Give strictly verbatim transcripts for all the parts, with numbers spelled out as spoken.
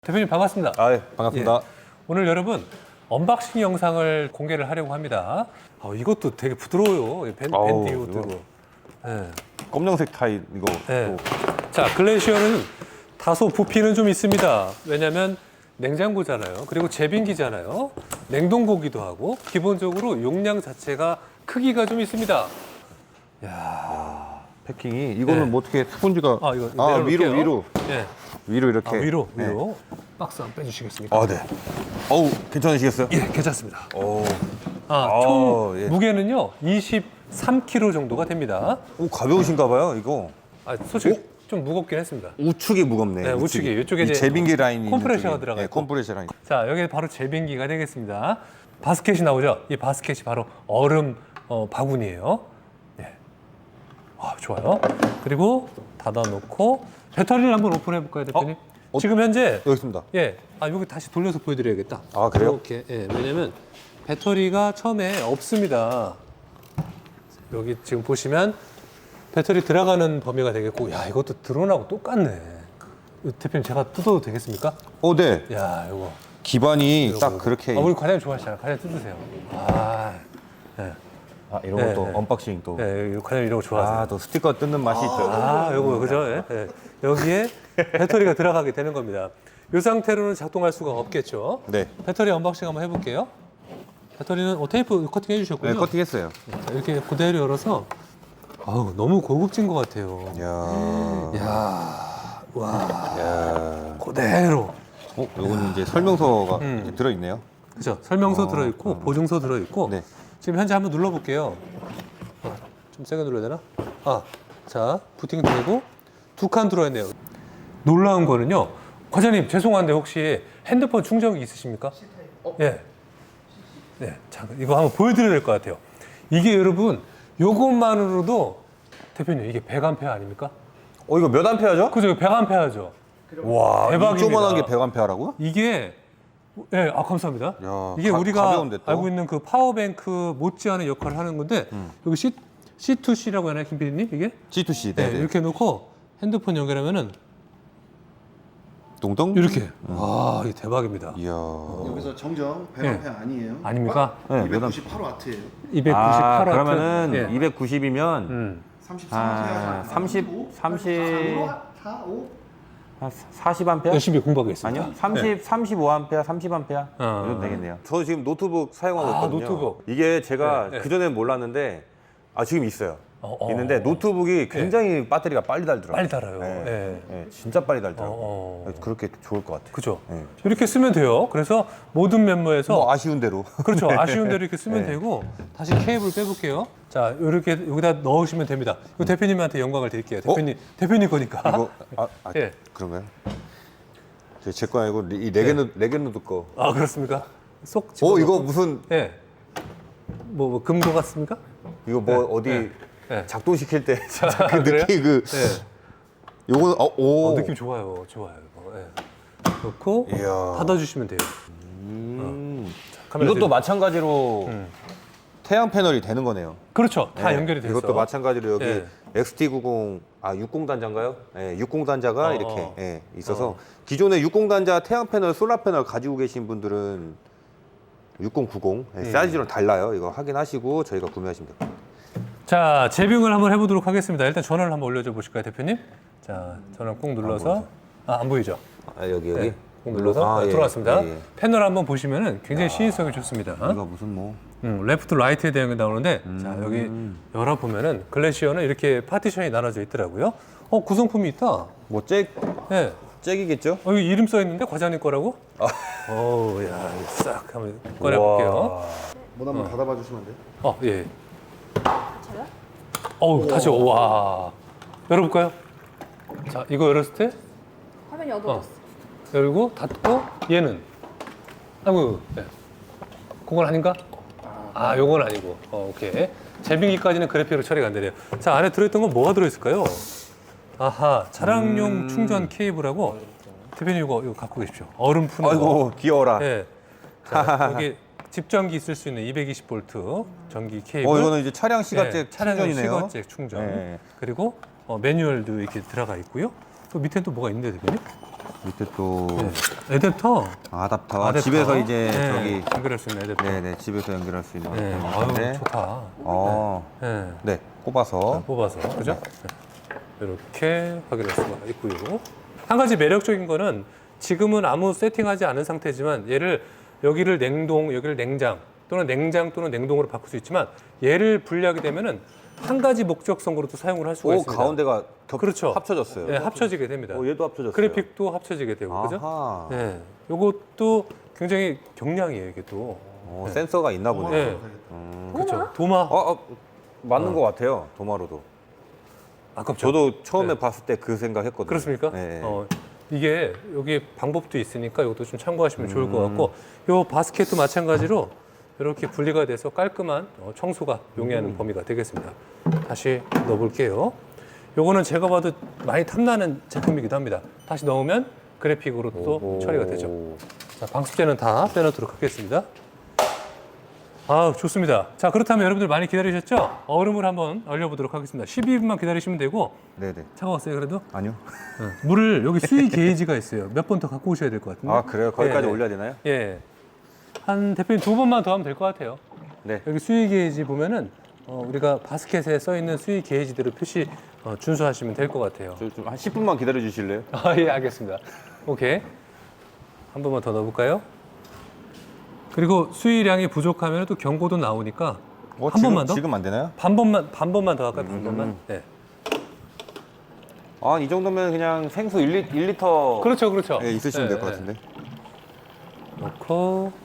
대표님 반갑습니다. 아, 예, 반갑습니다. 예. 오늘 여러분 언박싱 영상을 공개를 하려고 합니다. 아, 이것도 되게 부드러워요. 밴, 아우, 밴드 이것도. 이거. 예. 검정색 타입 이거. 예. 또. 자, 글래시어는 다소 부피는 좀 있습니다. 왜냐하면 냉장고잖아요. 그리고 제빙기잖아요. 냉동고기도 하고 기본적으로 용량 자체가 크기가 좀 있습니다. 패킹이 이거는 예. 뭐 어떻게 스폰지가 아, 이거 아, 내려놓을게요. 위로 위로 예. 위로 이렇게. 아, 위로 네. 위로 박스 한번 빼주시겠습니까? 아, 네. 어우, 괜찮으시겠어요? 예, 괜찮습니다. 오. 아, 아, 총 예. 무게는요 이십삼 킬로그램 정도가 됩니다. 오, 가벼우신가 봐요, 이거. 아, 솔직히 좀 무겁긴 했습니다. 우측이 무겁네. 네, 우측이. 이쪽에 이 이제 제빙기 라인이 컴프레셔가 있는 쪽에. 들어가 네, 있고. 컴프레셔 라인. 자, 여기 바로 제빙기가 되겠습니다. 바스켓이 나오죠? 이 바스켓이 바로 얼음 어, 바구니예요. 네. 아, 좋아요. 그리고 닫아놓고 배터리를 한번 오픈해 볼까요, 대표님? 어? 어? 지금 현재 여기 있습니다. 예, 아 여기 다시 돌려서 보여드려야겠다. 아, 그래요? 이렇게 예, 왜냐면 배터리가 처음에 없습니다. 여기 지금 보시면 배터리 들어가는 범위가 되겠고, 야 이것도 드론하고 똑같네. 이 대표님 제가 뜯어도 되겠습니까? 어, 네. 야 이거. 기반이 이거 딱 보고. 그렇게. 아, 우리 과장님 좋아하시잖아요. 과장님 뜯으세요. 아, 예, 아, 이런 네, 것도 네. 언박싱 또. 예, 과장님 이런 거 좋아하세요. 아, 또 스티커 뜯는 맛이 있죠. 아, 요거 그죠? 예, 예. 여기에 배터리가 들어가게 되는 겁니다. 이 상태로는 작동할 수가 없겠죠. 네. 배터리 언박싱 한번 해볼게요. 배터리는 어, 테이프 커팅 해주셨군요. 네, 커팅했어요. 자, 이렇게 그대로 열어서 아우, 너무 고급진 것 같아요. 이야. 이야, 와, 이야. 그대로. 어, 요거는 이제 설명서가 음. 이렇게 들어있네요. 그죠? 설명서 어, 들어있고 보증서 들어있고. 네. 지금 현재 한번 눌러볼게요. 어, 좀 세게 눌러야 되나? 아, 자, 부팅 되고 두 칸 들어있네요. 놀라운 거는요. 과장님 죄송한데 혹시 핸드폰 충전기 있으십니까? 어? 예. 네, 잠깐 이거 한번 보여드려야 될 것 같아요. 이게 여러분 요것만으로도 대표님 이게 백 암페어 아닙니까? 어, 이거 몇 암페어죠? 그죠? 백 암페어죠. 와, 대박입니다. 이 조그만한 게 백 암페어라고요? 이게 예, 아 감사합니다. 야, 이게 가- 우리가 가벼운데 또? 알고 있는 그 파워뱅크 못지않은 역할을 하는 건데 음. 여기 C, 씨 투 씨라고 하나요, 김 피디님? 이게? 지 투 씨. 네, 네, 네. 이렇게 놓고 핸드폰 연결하면은 동동? 이렇게. 와, 이게 대박입니다. 이야. 여기서 정정 백 암페어 아니에요. 아닙니까? 네, 몇 암- 이백구십팔 와트예요. 이백구십팔 아, 와트. 그러면은 예. 이백구십이면 음. 삼십삼 아, 삼십, 삼십. 사, 오. 사십 암페어? 열심히 공부하겠습니다. 아니요. 삼십, 삼십오 암페어, 삼십 암페어. 어. 이러면 되겠네요. 저 지금 노트북 사용하고 아, 있거든요. 노트북. 이게 제가 네, 네. 그전엔 몰랐는데 아, 지금 있어요. 어, 어. 있는데 노트북이 굉장히 배터리가 빨리 달더라고요. 빨리 달아요. 네. 네. 네, 진짜 빨리 달더라고요. 어, 어. 그렇게 좋을 것 같아요. 그죠? 네. 이렇게 쓰면 돼요. 그래서 모든 멤버에서 뭐 아쉬운 대로. 그렇죠. 아쉬운 대로 이렇게 쓰면 네. 되고 다시 케이블 빼볼게요. 자, 이렇게 여기다 넣으시면 됩니다. 이거 대표님한테 영광을 드릴게요. 대표님, 대표님 거니까. 이거 아, 아 예. 그런가요? 제 거 아니고 이 레게노 레게노드 거. 아, 그렇습니까? 쏙 어, 집어넣고. 이거 무슨 예. 뭐, 뭐 금고 같습니까? 이거 뭐 어디 네. 네. 작동시킬 때 진짜 그 그래요? 느낌 그 예. 요거는 어, 오. 어, 느낌 좋아요. 좋아요. 이거. 예. 넣고 이야. 닫아주시면 돼요. 음. 카메라 이것도 들고. 마찬가지로 음. 태양 패널이 되는 거네요. 그렇죠. 다 네. 연결이 돼서. 이것도 마찬가지로 여기 예. 엑스티 구십, 아 육십 단자인가요? 예, 육십 단자가 어, 이렇게 어. 예, 있어서 어. 기존에 육십 단자 태양 패널, 솔라 패널 가지고 계신 분들은 육십, 구십 예, 음. 사이즈는 달라요. 이거 확인하시고 저희가 구매하시면 됩니다. 자, 재빙을 한번 해보도록 하겠습니다. 일단 전원을 한번 올려줘 보실까요, 대표님? 자, 전원 꾹 눌러서. 아, 안 보이죠? 아, 여기 여기 네. 꾹 눌러서 아, 네, 예, 들어왔습니다. 예, 예. 패널 한번 보시면은 굉장히 시인성이 좋습니다. 이거 무슨 뭐 음, 레프트 라이트에 대한 게 나오는데 자, 여기 열어보면은 글래시어는 이렇게 파티션이 나눠져 있더라고요. 어, 구성품이 있다. 뭐 잭, 예. 잭이겠죠? 어, 여기 이름 써 있는데 과장님 거라고? 어우, 야, 이거 싹 한번 꺼내볼게요. 문 한번 닫아봐 주시면 안 돼요? 어, 예. 어우, 다시, 와. 열어볼까요? 자, 이거 열었을 때 화면이 어두워졌어. 열고 닫고 얘는 아이고, 예. 그건 아닌가? 아, 요건 아니고. 어, 오케이. 제빙기까지는 그래픽으로 처리가 안 되네요. 자, 안에 들어있던 건 뭐가 들어있을까요? 아하, 차량용 충전 케이블하고 대표님 이거, 이거 갖고 계십시오. 얼음 푸는 거. 아이고 귀여워라. 예. 자, 여기 집전기 있을 수 있는 이백이십 볼트 전기 케이블. 어, 이거는 이제 차량 시가잭 예, 차량용 충전이네요. 시가잭 충전. 네. 그리고 어, 매뉴얼도 이렇게 들어가 있고요. 또 밑에 또 뭐가 있는데 대표님? 밑에 또 네. 애댑터. 아답터. 아댑터. 집에서 이제 네, 저기 연결할 수 있는 애댑터. 네네 집에서 연결할 수 있는 네. 건데. 아유, 좋다. 어. 네. 네. 꼽아서. 뽑아서 그죠? 네. 이렇게 확인할 수가 있고요. 한 가지 매력적인 거는 지금은 아무 세팅하지 않은 상태지만 얘를 여기를 냉동, 여기를 냉장 또는 냉장 또는 냉동으로 바꿀 수 있지만 얘를 분리하게 되면은 한 가지 목적성으로도 사용을 할 수가 오 있습니다. 가운데가 겹, 그렇죠. 합쳐졌어요. 네, 합쳐지게 됩니다. 오 얘도 합쳐졌어요. 그래픽도 합쳐지게 되고 그죠? 아하. 네, 요것도 굉장히 경량이에요 이게 또. 오, 센서가 있나 보네. 네, 음. 그렇죠. 도마. 어, 어, 맞는 어. 것 같아요. 도마로도. 아깝죠. 저도 처음에 네. 봤을 때 그 생각했거든요. 그렇습니까? 네. 어, 이게 여기 방법도 있으니까 이것도 좀 참고하시면 좋을 음. 것 같고 요 바스켓도 마찬가지로 이렇게 분리가 돼서 깔끔한 어, 청소가 용이하는 음. 범위가 되겠습니다. 다시 넣어볼게요. 요거는 제가 봐도 많이 탐나는 제품이기도 합니다. 다시 넣으면 그래픽으로 또 오. 처리가 되죠. 자, 방습제는 다 빼놓도록 하겠습니다. 아, 좋습니다. 자, 그렇다면 여러분들 많이 기다리셨죠? 얼음을 한번 얼려보도록 하겠습니다. 십이 분만 기다리시면 되고 네네. 차가웠어요, 그래도? 아니요. 네. 물을 여기 수위 게이지가 있어요. 몇 번 더 갖고 오셔야 될 것 같은데. 아 그래요? 거기까지 예, 예. 올려야 되나요? 예. 한 대표님 두 번만 더 하면 될 것 같아요. 네. 여기 수위 게이지 보면은 어, 우리가 바스켓에 써 있는 수위 게이지대로 표시 어, 준수하시면 될 것 같아요. 저좀한 십 분만 기다려 주실래요? 아, 예, 알겠습니다. 오케이. 한 번만 더 넣어볼까요? 그리고 수위량이 부족하면 또 경고도 나오니까 어, 한 지금, 번만 더? 지금 안 되나요? 반 번만 반 번만 더 할까요? 반 음. 번만. 네. 아 이 정도면 그냥 생수 일 리터 그렇죠, 그렇죠. 예, 있으시면 네, 될 것 네. 같은데. 넣고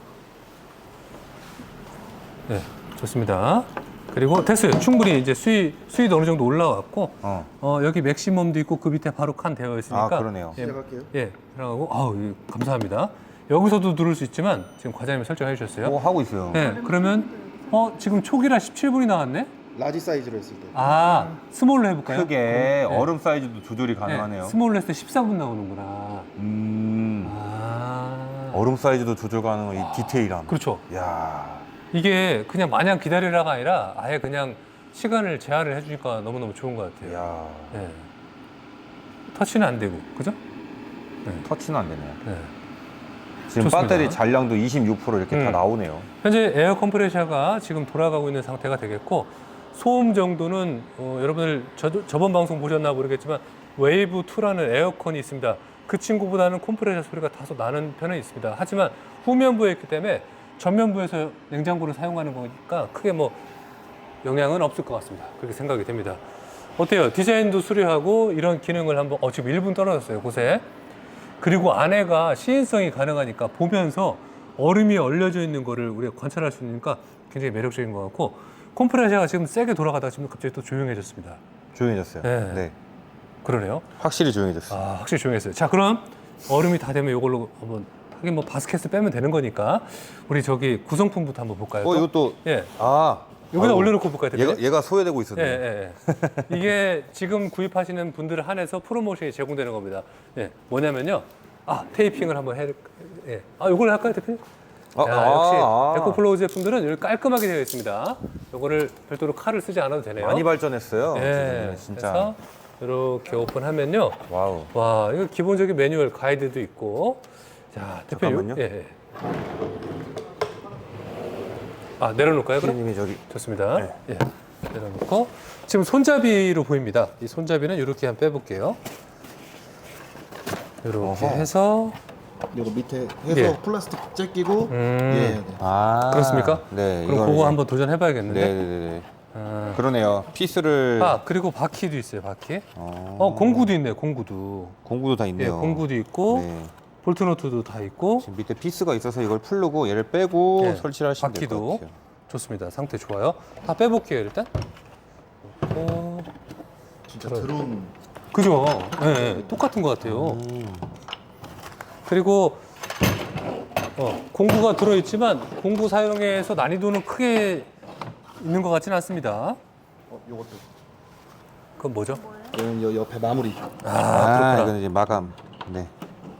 네, 좋습니다. 그리고 됐어요. 충분히 이제 수위 수위도 어느 정도 올라왔고 어. 어, 여기 맥시멈도 있고 그 밑에 바로 칸 되어 있으니까 아, 그러네요. 예, 시작할게요. 예, 들어가고 아우 예, 감사합니다. 여기서도 누를 수 있지만 지금 과장님이 설정해 주셨어요. 오 하고 있어요. 네, 그러면 어 지금 초기라 십칠 분이 나왔네. 라지 사이즈로 했을 때. 아 스몰로 해볼까요? 크게 네. 얼음 사이즈도 조절이 네, 가능하네요. 스몰로 했을 때 십사 분 나오는구나. 음. 아 얼음 사이즈도 조절 가능한 이 디테일함. 그렇죠. 야. 이게 그냥 마냥 기다리라가 아니라 아예 그냥 시간을 제한을 해주니까 너무너무 좋은 것 같아요. 야. 네. 터치는 안 되고, 그죠? 터치는 안 되네요. 네. 지금 좋습니다. 배터리 잔량도 이십육 퍼센트 이렇게 다 음. 나오네요. 현재 에어 컴프레셔가 지금 돌아가고 있는 상태가 되겠고, 소음 정도는 어, 여러분들 저, 저번 방송 보셨나 모르겠지만 웨이브 투라는 에어컨이 있습니다. 그 친구보다는 컴프레셔 소리가 다소 나는 편은 있습니다. 하지만 후면부에 있기 때문에 전면부에서 냉장고를 사용하는 거니까 크게 뭐 영향은 없을 것 같습니다. 그렇게 생각이 됩니다. 어때요? 디자인도 수려하고 이런 기능을 한번 어 지금 일 분 떨어졌어요. 곳에. 그리고 안에가 시인성이 가능하니까 보면서 얼음이 얼려져 있는 거를 우리가 관찰할 수 있으니까 굉장히 매력적인 것 같고 컴프레셔가 지금 세게 돌아가다가 지금 갑자기 또 조용해졌습니다. 조용해졌어요. 네. 네. 그러네요. 확실히 조용해졌어요. 아, 확실히 조용했어요. 자, 그럼 얼음이 다 되면 이걸로 한번 하긴 뭐 바스켓을 빼면 되는 거니까 우리 저기 구성품부터 한번 볼까요? 어, 또? 이것도 예. 아. 여기다 아이고, 올려놓고 볼까요? 대표님? 얘가 얘가 소외되고 예, 있었네. 예, 예. 이게 지금 구입하시는 분들을 한해서 프로모션이 제공되는 겁니다. 예, 뭐냐면요. 아, 테이핑을 한번 해. 예. 아, 이걸 할까요, 대표님? 아, 자, 아, 역시 아. 에코플로우 제품들은 이렇게 깔끔하게 되어 있습니다. 이거를 별도로 칼을 쓰지 않아도 되네요. 많이 발전했어요. 예. 진짜. 그래서 이렇게 오픈하면요. 와우. 와, 이거 기본적인 매뉴얼 가이드도 있고. 자, 대표님. 잠깐만요. 예, 예. 아, 내려놓을까요, 그럼? 피디님이 저기 좋습니다. 네. 예. 내려놓고 지금 손잡이로 보입니다. 이 손잡이는 이렇게 한번 빼볼게요. 이렇게 어허. 해서 이거 밑에 해서 예. 플라스틱 재 끼고 음. 예, 네. 아. 그렇습니까? 네. 그럼 이걸 그거 이제- 한번 도전해봐야겠는데. 네네네. 아. 그러네요. 피스를 아, 그리고 바퀴도 있어요. 바퀴. 어, 어, 공구도 있네. 공구도. 공구도 다 예, 있네요. 공구도 있고 네. 볼트 너트도 다 있고. 지금 밑에 피스가 있어서 이걸 풀르고 얘를 빼고 예, 설치를 하시면 될 것 바퀴도 같아요. 좋습니다. 상태 좋아요. 다 빼볼게요 일단. 어, 진짜 그래요. 드론 그죠? 예, 예, 똑같은 것 같아요. 음. 그리고 어, 공구가 들어있지만 공구 사용에서 난이도는 크게 있는 것 같지는 않습니다. 어, 요것도 그건 뭐죠? 얘는 여 옆에 마무리 아, 아, 그렇구나. 이거는 이제 마감. 네.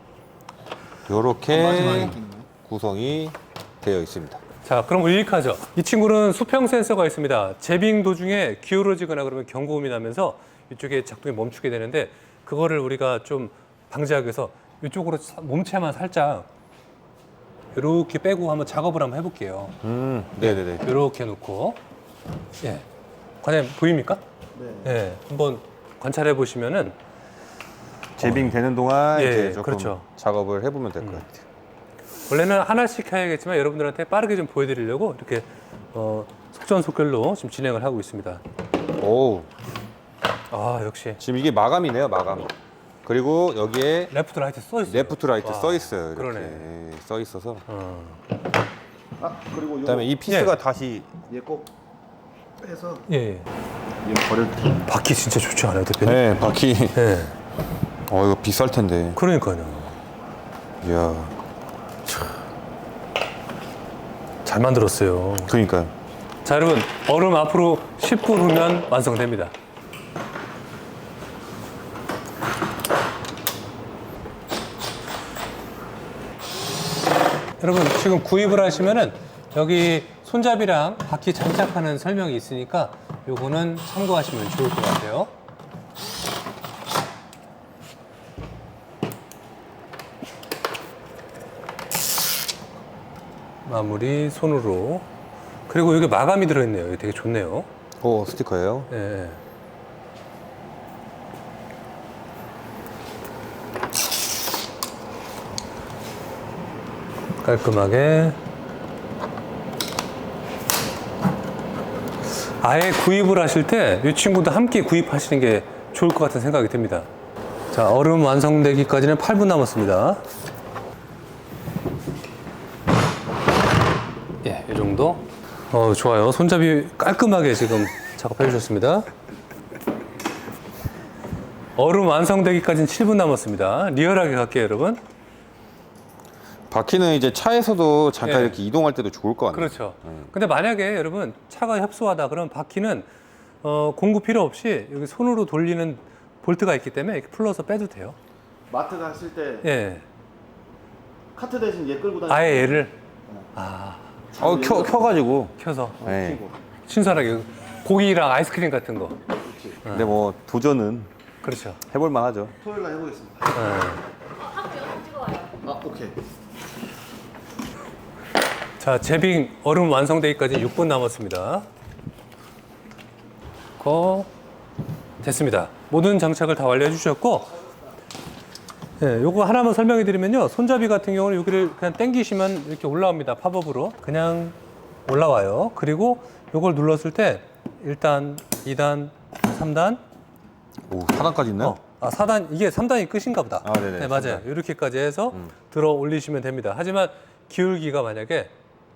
마지막에 요렇게 끼는 구성이 되어 있습니다. 자, 그럼 유익하죠. 이 친구는 수평 센서가 있습니다. 제빙 도중에 기울어지거나 그러면 경고음이 나면서 이쪽에 작동이 멈추게 되는데 그거를 우리가 좀 방지하기 위해서 이쪽으로 사- 몸체만 살짝 이렇게 빼고 한번 작업을 한번 해볼게요. 음, 네네네. 이렇게 놓고 예, 과장님 보입니까? 네. 예, 한번 관찰해 보시면은 제빙 되는 동안 예, 이제 조금 그렇죠. 작업을 해보면 될 것 같아요. 원래는 하나씩 해야겠지만 여러분들한테 빠르게 좀 보여드리려고 이렇게 어, 속전속결로 지금 진행을 하고 있습니다. 오, 아 역시 지금 이게 마감이네요, 마감. 그리고 여기에 레프트 라이트 써 있어요. 레프트 라이트 와, 써 있어요. 이렇게 그러네. 예, 써 있어서. 어. 아 그리고 요 그다음에 이 피스가 예. 다시 얘꼭 빼서 예, 예. 얘 버릴 때. 바퀴 진짜 좋지 않아요, 대표님? 네, 바퀴. 예. 어, 이거 비쌀 텐데. 그러니까요. 이야, 잘 만들었어요. 그러니까요. 자, 여러분 얼음 앞으로 십 분 후면 완성됩니다. 여러분 지금 구입을 하시면은 여기 손잡이랑 바퀴 장착하는 설명이 있으니까 요거는 참고하시면 좋을 것 같아요. 마무리 손으로. 그리고 여기 마감이 들어있네요. 이게 되게 좋네요. 오, 스티커예요. 예. 깔끔하게. 아예 구입을 하실 때 이 친구도 함께 구입하시는 게 좋을 것 같은 생각이 듭니다. 자, 얼음 완성되기까지는 팔 분 남았습니다. 예, 이 정도. 어, 좋아요. 손잡이 깔끔하게 지금 작업해 주셨습니다. 얼음 완성되기까지는 칠 분 남았습니다. 리얼하게 갈게요, 여러분. 바퀴는 이제 차에서도 잠깐 예. 이렇게 이동할 때도 좋을 것 같네요. 그렇죠. 근데 만약에 여러분 차가 협소하다 그러면 바퀴는 어, 공구 필요 없이 여기 손으로 돌리는 볼트가 있기 때문에 이렇게 풀러서 빼도 돼요. 마트 갔을 때 예. 카트 대신 얘 끌고 다니는. 아예 얘를 아, 어, 켜, 켜가지고. 켜서 네. 신선하게 고기랑 아이스크림 같은 거. 근데 뭐 도전은 그렇죠. 해볼만 하죠. 토요일 날 해보겠습니다. 예. 아 오케이. 자, 제빙 얼음 완성되기까지 육 분 남았습니다. 거 됐습니다. 모든 장착을 다 완료해 주셨고, 예, 요거 하나만 설명해 드리면요. 손잡이 같은 경우는 여기를 그냥 당기시면 이렇게 올라옵니다. 팝업으로. 그냥 올라와요. 그리고 요걸 눌렀을 때 일 단, 이 단, 삼 단, 오, 사 단까지 있나요? 어, 아, 사 단, 이게 삼 단이 끝인가 보다. 아, 네네, 네, 맞아요. 삼 단. 이렇게까지 해서 음. 들어 올리시면 됩니다. 하지만 기울기가 만약에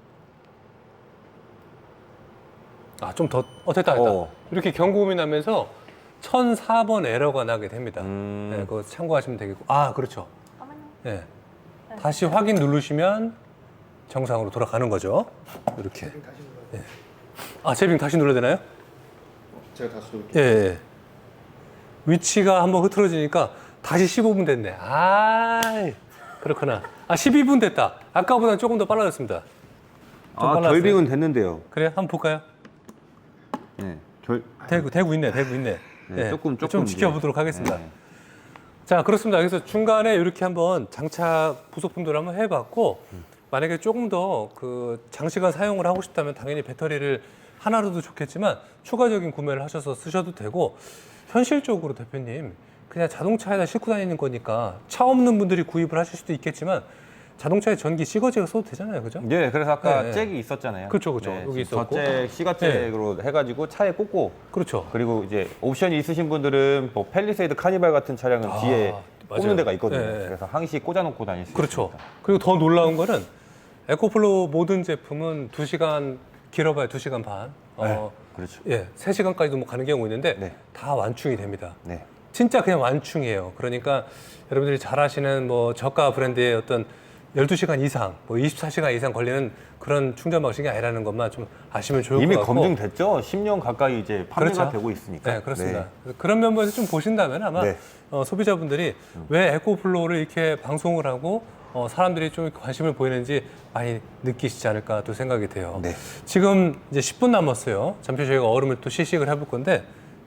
아, 좀 더, 어, 됐다, 됐다. 어. 이렇게 경고음이 나면서 천사 번 에러가 나게 됩니다. 음. 네, 그거 참고하시면 되겠고. 아, 그렇죠. 네. 다시 확인 누르시면 정상으로 돌아가는 거죠. 이렇게. 네. 아, 제빙 다시 눌러야 되나요? 제가 다시 놓을게요. 예, 예. 위치가 한번 흐트러지니까 다시 십오 분 됐네. 아, 그렇구나. 아, 십이 분 됐다. 아까보다 조금 더 빨라졌습니다. 좀 아, 빨랐어요. 결빙은 됐는데요. 그래, 한번 볼까요? 네, 결, 되고, 되고 있네, 되고 있네. 네, 조금, 조금 좀 이제. 지켜보도록 하겠습니다. 네. 자, 그렇습니다. 그래서 중간에 이렇게 한번 장착 부속품들을 한번 해봤고, 만약에 조금 더 그 장시간 사용을 하고 싶다면 당연히 배터리를 하나로도 좋겠지만 추가적인 구매를 하셔서 쓰셔도 되고, 현실적으로 대표님 그냥 자동차에다 싣고 다니는 거니까 차 없는 분들이 구입을 하실 수도 있겠지만 자동차에 전기 시거지가 써도 되잖아요, 그죠? 네, 그래서 아까 네, 네. 잭이 있었잖아요. 그렇죠, 그렇죠. 여기 있었고. 저잭, 시가잭으로 해가지고 차에 꽂고, 그렇죠. 그리고 이제 옵션이 있으신 분들은 뭐 팰리세이드 카니발 같은 차량은 아, 뒤에 맞아요. 꽂는 데가 있거든요. 네, 네. 그래서 항시 꽂아놓고 다닐 수 그렇죠. 있습니다. 그리고 더 놀라운 거는 에코플로 모든 제품은 두 시간 길어봐야 두 시간 반. 어, 그렇죠. 예, 세 시간까지도 뭐 가는 경우 있는데 네. 다 완충이 됩니다. 네. 진짜 그냥 완충이에요. 그러니까 여러분들이 잘 아시는 뭐 저가 브랜드의 어떤 열두 시간 이상, 뭐 이십사 시간 이상 걸리는 그런 충전 방식이 아니라는 것만 좀 아시면 좋을 이미 것 같고. 검증됐죠. 십 년 가까이 이제 판매가 그렇죠. 되고 있으니까. 네, 그렇습니다. 그런 면에서 좀 보신다면 아마 네. 어, 소비자분들이 왜 에코플로우를 이렇게 방송을 하고 어, 사람들이 좀 관심을 보이는지 많이 느끼시지 않을까 또 생각이 돼요. 네. 지금 이제 십 분 남았어요. 잠시 저희가 얼음을 또 시식을 해볼 건데, 예.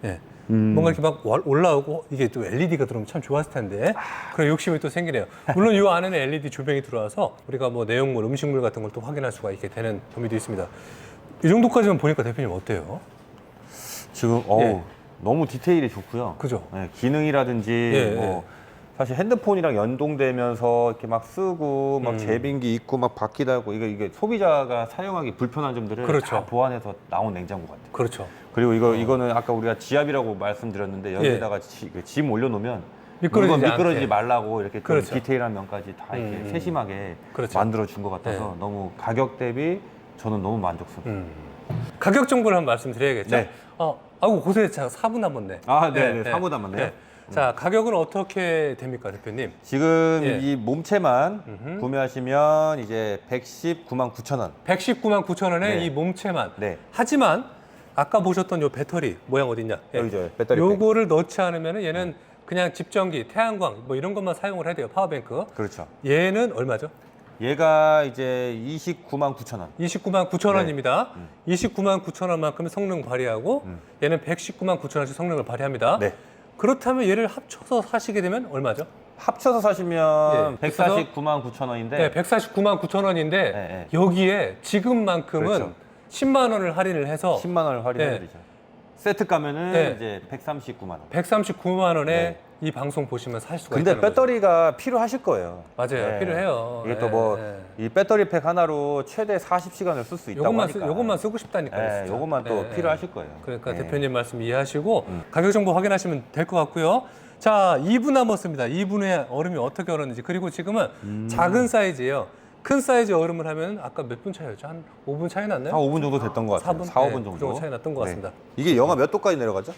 음. 뭔가 이렇게 막 월- 올라오고 이게 또 엘이디가 들어오면 참 좋았을 텐데 그런 욕심이 또 생기네요. 물론 이 안에는 엘이디 조명이 들어와서 우리가 뭐 내용물, 음식물 같은 걸 또 확인할 수가 있게 되는 범위도 있습니다. 이 정도까지만 보니까 대표님 어때요? 지금 어우 예. 너무 디테일이 좋고요. 그죠? 네, 기능이라든지 예, 뭐 사실 핸드폰이랑 연동되면서 이렇게 막 쓰고 막 음. 제빙기 있고 막 바퀴 달고 이게 이게 소비자가 사용하기 불편한 점들을 그렇죠. 다 보완해서 나온 냉장고 같아요. 그렇죠. 그리고 이거 이거는 아까 우리가 지압이라고 말씀드렸는데 여기에다가 지, 그 짐 올려놓으면 미끄러지지 물건 미끄러지지 않게. 말라고 이렇게 좀 그렇죠. 디테일한 면까지 다 이렇게 음. 세심하게 그렇죠. 만들어 준 것 같아서 네. 너무 가격 대비 저는 너무 만족스럽습니다. 음. 가격 정보를 한번 말씀드려야겠죠? 네. 어, 아이고 고생했요 사 분 남았네. 아, 네, 네, 사 분 남았네요. 자, 가격은 어떻게 됩니까, 대표님? 지금 예. 이 몸체만 음흠. 구매하시면 이제 백십구만 구천 원. 백십구만 구천 원에 네. 이 몸체만. 네. 하지만 아까 보셨던 요 배터리 모양 어딨냐? 예. 여기죠, 배터리 백. 요거를 넣지 않으면 얘는 그냥 집전기, 태양광 뭐 이런 것만 사용을 해야 돼요. 파워뱅크. 그렇죠. 얘는 얼마죠? 얘가 이제 이십구만 구천 원. 이십구만 구천 원입니다. 음. 이십구만 구천 원만큼 성능 발휘하고 음. 얘는 백십구만 구천 원씩 성능을 발휘합니다. 네. 그렇다면 얘를 합쳐서 사시게 되면 얼마죠? 합쳐서 사시면 예, 백사십구만 구천 원인데 네, 백사십구만 구천 원인데 네, 네. 여기에 지금만큼은 그렇죠. 십만 원을 할인을 해서 십만 원을 할인해드리죠. 세트 가면은 네. 이제 백삼십구만 원. 백삼십구만 원에 네. 이 방송 보시면 살 수가 근데 있다는 거죠. 배터리가 필요하실 거예요. 맞아요. 필요해요. 이게 네, 또 뭐 이 네. 배터리 팩 하나로 최대 사십 시간을 쓸 수 있다고 요것만, 하니까. 쓰, 요것만 쓰고 싶다니까요. 네, 진짜. 요것만 또 네, 네. 필요하실 거예요. 그러니까 네. 대표님 말씀 이해하시고 음. 가격 정보 확인하시면 될 것 같고요. 자, 이 분 남았습니다. 이 분의 얼음이 어떻게 얼었는지. 그리고 지금은 음. 작은 사이즈예요. 큰 사이즈 얼음을 하면 아까 몇 분 차이였죠? 한 오 분 차이 났나요? 한 오 분 정도 됐던 것 사 같아요. 분? 사, 오 네, 분 그 정도. 정도 차이 났던 것 같습니다. 이게 영하 몇 도까지 내려가죠?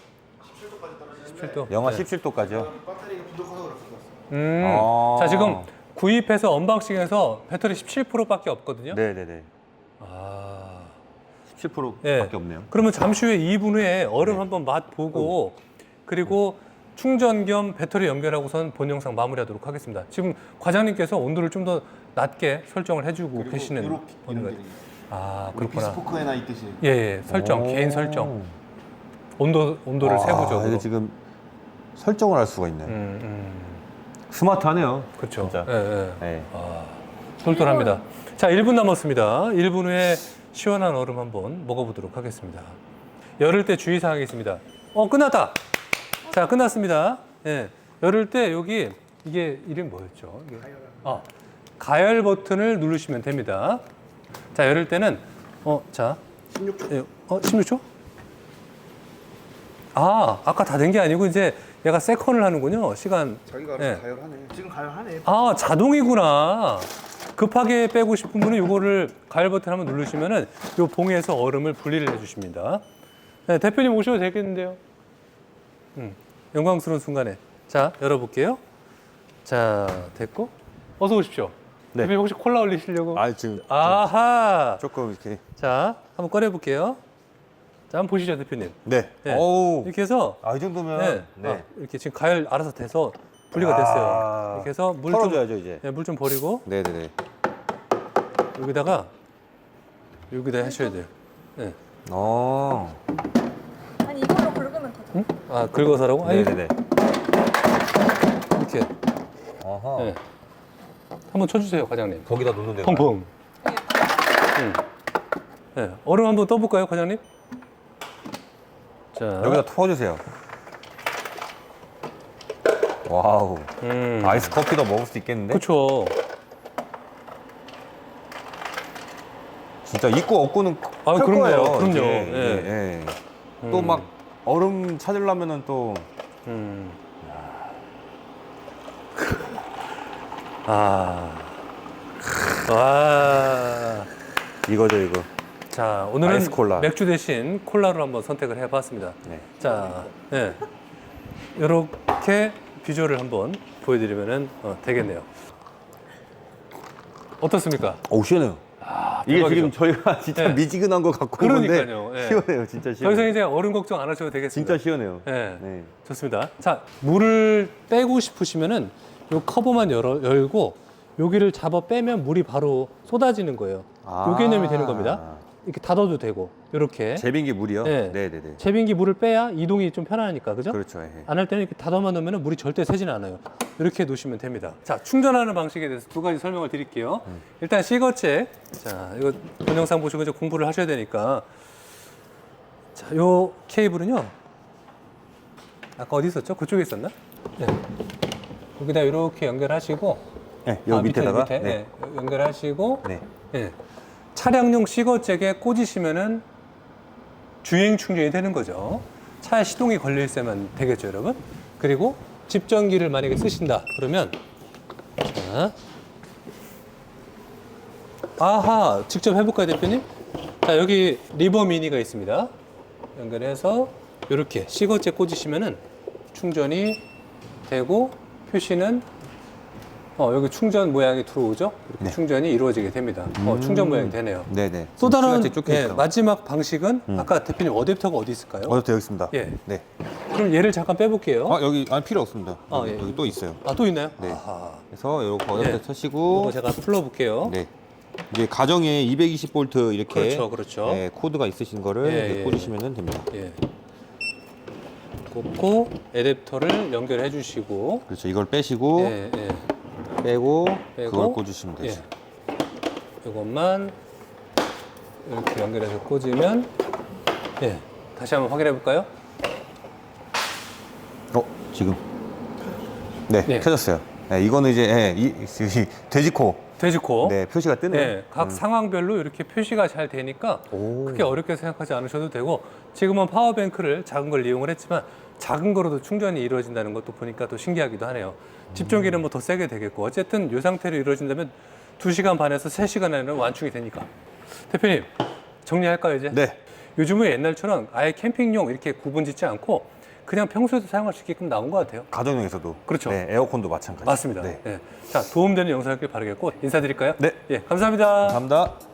십칠 도. 영하 네. 십칠 도까지요. 배터리가 부족해서 그렇습니다. 음. 아. 자, 지금 구입해서 언박싱해서 배터리 십칠 퍼센트밖에 없거든요. 네네네. 아. 십칠 퍼센트밖에 네. 없네요. 그러면 잠시 후에 이 분 후에 얼음 네. 한번 맛 보고 그리고 충전 겸 배터리 연결하고선 본 영상 마무리하도록 하겠습니다. 지금 과장님께서 온도를 좀 더 낮게 설정을 해주고 계시는 이렇게 거예요. 이런 게 아, 우리 그렇구나. 비스포크에나 있듯이 예, 예, 설정, 오. 개인 설정. 온도 온도를 아, 세부적으로. 이게 지금 설정을 할 수가 있네. 요 음, 음. 스마트하네요. 그렇죠. 진짜. 예, 예. 네. 아, 똘똘합니다. 자, 일 분 남았습니다. 일 분 후에 시원한 얼음 한번 먹어보도록 하겠습니다. 열을 때 주의사항이 있습니다. 어, 끝났다. 자, 끝났습니다. 예. 열을 때 여기 이게 이름 뭐였죠? 이게. 어, 가열 버튼을 누르시면 됩니다. 자, 열을 때는 어, 자, 십육 초. 예, 어, 십육 초? 아, 아까 다 된 게 아니고 이제 얘가 세컨을 하는군요. 시간. 자기가 예. 알아서 가열하네. 지금 가열하네. 아, 자동이구나. 급하게 빼고 싶은 분은 이거를 가열 버튼 한번 누르시면은 요 봉에서 얼음을 분리를 해주십니다. 네, 대표님 오셔도 되겠는데요. 음, 영광스러운 순간에. 자, 열어볼게요. 자, 됐고. 어서 오십시오. 네. 대표님 혹시 콜라 올리시려고? 아 지금 아하. 조금 이렇게. 자, 한번 꺼내볼게요. 자, 한번 보시죠, 대표님. 네. 네. 어우. 이렇게 해서 아 이 정도면. 네, 네. 아, 이렇게 지금 가열 알아서 돼서 분리가 아. 됐어요. 이렇게 해서 물 좀, 털어줘야죠 이제. 네, 물 좀 버리고 네네네. 여기다가 여기다 하셔야 돼요. 네. 어. 아니 이걸로 긁으면 되죠. 응? 아, 긁어서라고? 아니, 네네네. 이렇게. 어허. 네. 한번 쳐주세요, 과장님. 거기다 놓는 데가. 펑펑. 응. 네. 얼음 한번 떠볼까요, 과장님? 자. 여기다 퍼주세요. 와우. 음. 아이스 커피도 먹을 수 있겠는데? 그렇죠. 진짜 있고 없고는 아, 클 그럼요. 거예요. 그럼요. 이게. 예. 예, 예. 음. 또 막 얼음 찾으려면은 또 음. 아. 와. 이거죠 이거. 자, 오늘은 아이스 콜라. 맥주 대신 콜라로 한번 선택을 해봤습니다. 네. 자, 네. 이렇게 비주얼을 한번 보여드리면 어, 되겠네요. 어떻습니까? 오 시원해요. 아, 이게 대박이죠? 지금 저희가 진짜 네. 미지근한 거 갖고 오는데 그러니까요. 예. 시원해요. 진짜 더 시원해요. 이상 이제 얼음 걱정 안 하셔도 되겠습니다. 진짜 시원해요. 네. 네. 좋습니다. 자, 물을 빼고 싶으시면은 요 커버만 열어, 열고 여기를 잡아 빼면 물이 바로 쏟아지는 거예요. 요 개념이 되는 겁니다. 이렇게 닫아도 되고 이렇게 제빙기 물이요? 네. 네네네. 제빙기 물을 빼야 이동이 좀 편하니까 그죠? 그렇죠. 예. 안 할 때는 이렇게 닫아만 놓으면 물이 절대 새지는 않아요. 이렇게 놓으시면 됩니다. 자, 충전하는 방식에 대해서 두 가지 설명을 드릴게요. 음. 일단 시거잭. 자, 이거 동영상 보시고 이제 공부를 하셔야 되니까. 자, 요 케이블은요. 아까 어디 있었죠? 그쪽에 있었나? 네. 여기다 이렇게 연결하시고. 네, 요 아, 밑에, 밑에다가 밑에, 네. 네, 연결하시고. 네. 예. 차량용 시거잭에 꽂으시면은 주행 충전이 되는 거죠. 차에 시동이 걸려 있어야만 되겠죠, 여러분. 그리고 집전기를 만약에 쓰신다 그러면 자, 아하, 직접 해볼까요, 대표님? 자, 여기 리버 미니가 있습니다. 연결해서 이렇게 시거잭 꽂으시면은 충전이 되고 표시는 어, 여기 충전 모양이 들어오죠? 이렇게 네. 충전이 이루어지게 됩니다. 어, 충전 모양이 되네요. 네네. 또 다른 시거잭 쫓겨 예, 있어요. 마지막 방식은 음. 아까 대표님 어댑터가 어디 있을까요? 어디 되어 있습니다. 예. 네. 그럼 얘를 잠깐 빼볼게요. 아 여기 아니 필요 없습니다. 아, 여기, 예. 여기 또 있어요. 아, 또 있나요? 네. 아하. 그래서 요거 어댑터 네. 쳐시고 이거 제가 풀러볼게요. 네. 이제 가정에 이백이십 볼트 이렇게 그렇죠, 그렇죠. 네, 코드가 있으신 거를 예, 이제 예, 꽂으시면 됩니다. 예. 꽂고 애댑터를 연결해 주시고 그렇죠. 이걸 빼시고 예, 예. 빼고, 빼고, 그걸 꽂으시면 예. 되죠. 이것만 이렇게 연결해서 꽂으면 예. 다시 한번 확인해 볼까요? 어 지금 네, 네. 켜졌어요. 네, 이거는 이제 예, 이, 이 돼지코 돼지코. 네 표시가 뜨네요. 네, 각 상황별로 이렇게 표시가 잘 되니까 오. 크게 어렵게 생각하지 않으셔도 되고 지금은 파워뱅크를 작은 걸 이용을 했지만 작은 거로도 충전이 이루어진다는 것도 보니까 또 신기하기도 하네요. 집전기는 뭐 더 세게 되겠고 어쨌든 이 상태로 이루어진다면 두 시간 반에서 세 시간 안에는 완충이 되니까. 대표님 정리할까요 이제? 네. 요즘은 옛날처럼 아예 캠핑용 이렇게 구분 짓지 않고 그냥 평소에도 사용할 수 있게끔 나온 것 같아요. 가정용에서도 그렇죠. 네, 에어컨도 마찬가지. 맞습니다. 네. 네. 자, 도움되는 영상이길 바라겠고 인사드릴까요? 네. 예, 감사합니다. 감사합니다.